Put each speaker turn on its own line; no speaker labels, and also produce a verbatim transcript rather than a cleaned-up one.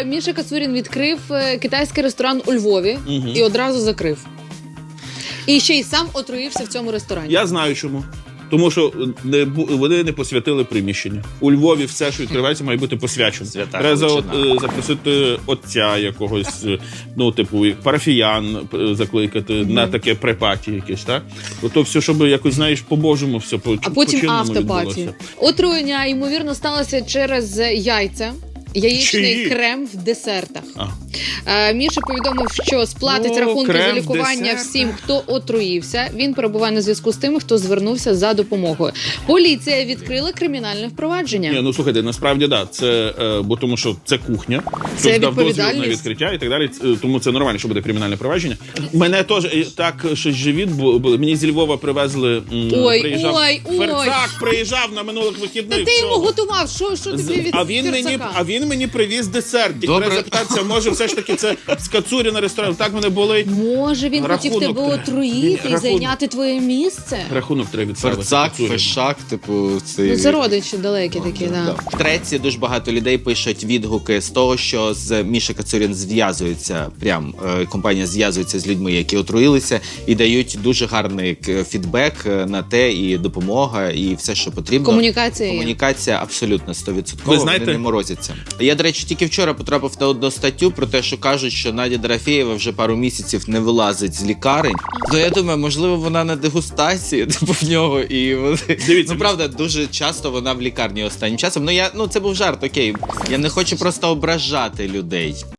Міша Кацурін відкрив е, китайський ресторан у Львові
Угу.
і одразу закрив. І ще й сам отруївся в цьому ресторані.
Я знаю чому. Тому що не, бу- вони не посвятили приміщення. У Львові все, що відкривається, має бути посвячено.
Свята
Треба за-
величина.
е, запросити отця якогось, е, ну, типу, як парафіян е, закликати на таке препаті якесь, так? Ото все, щоб якось, знаєш, по-божому все по
А потім
по-чинному
автопаті.
відбулося.
Отруєння, ймовірно, сталося через яйця. Яєчний
Чиї?
крем в десертах.
А.
Е, Міша повідомив, що сплатить
О,
рахунки
крем
за
в
лікування
десертах.
всім, хто отруївся. Він перебуває на зв'язку з тими, хто звернувся за допомогою. Поліція відкрила кримінальне впровадження.
Ні, ну слухайте, насправді да, це е, бо тому, що це кухня,
Це
хтось дав дозвіл на
відповідальність.
відкриття і так далі. Ц- Тому це нормально, що буде кримінальне провадження. Мене теж е, так щось живіт бу- було. Мені зі Львова привезли. м,
Ой,
приїжджав
ой, ой.
Ферцак приїжджав на минулих вихідних.
Та ти йому
всього.
готував, що, що
З-
тобі від
а він мені,
Ферцака?
а він мені привіз десерт. І
Добре.
треба запитатися, може все ж таки це з Кацуріна ресторан. Так мене болить.
Може, він хотів
Рахунок
тебе
треба.
отруїти
Ні,
і
рахунок.
зайняти твоє місце?
Рахунок треба відставити.
Ферцак,
Кацуріну.
фешак, типу, це...
Ну, це родичі далекі такі, да.
В Треці дуже багато людей пишуть відгуки з того, що з Міша Кацурін зв'язується, прям е, компанія зв'язується з людьми, які отруїлися, і дають дуже гарний к- фідбек е, на те, і допомога, і все, що потрібно.
Комунікація є.
Комунікація абсолютно сто відсоткова,
Ви знаєте-
вони не морозяться. Я, до речі, тільки вчора потрапив на одну статтю про те, що кажуть, що Надя Дорофєєва вже пару місяців не вилазить з лікарень. То я думаю, можливо, вона на дегустації, типу, в нього, і вони...
Дивіться,
ну, правда, дуже часто вона в лікарні останнім часом. Ну, я, ну, це був жарт, окей. Я не хочу просто ображати людей.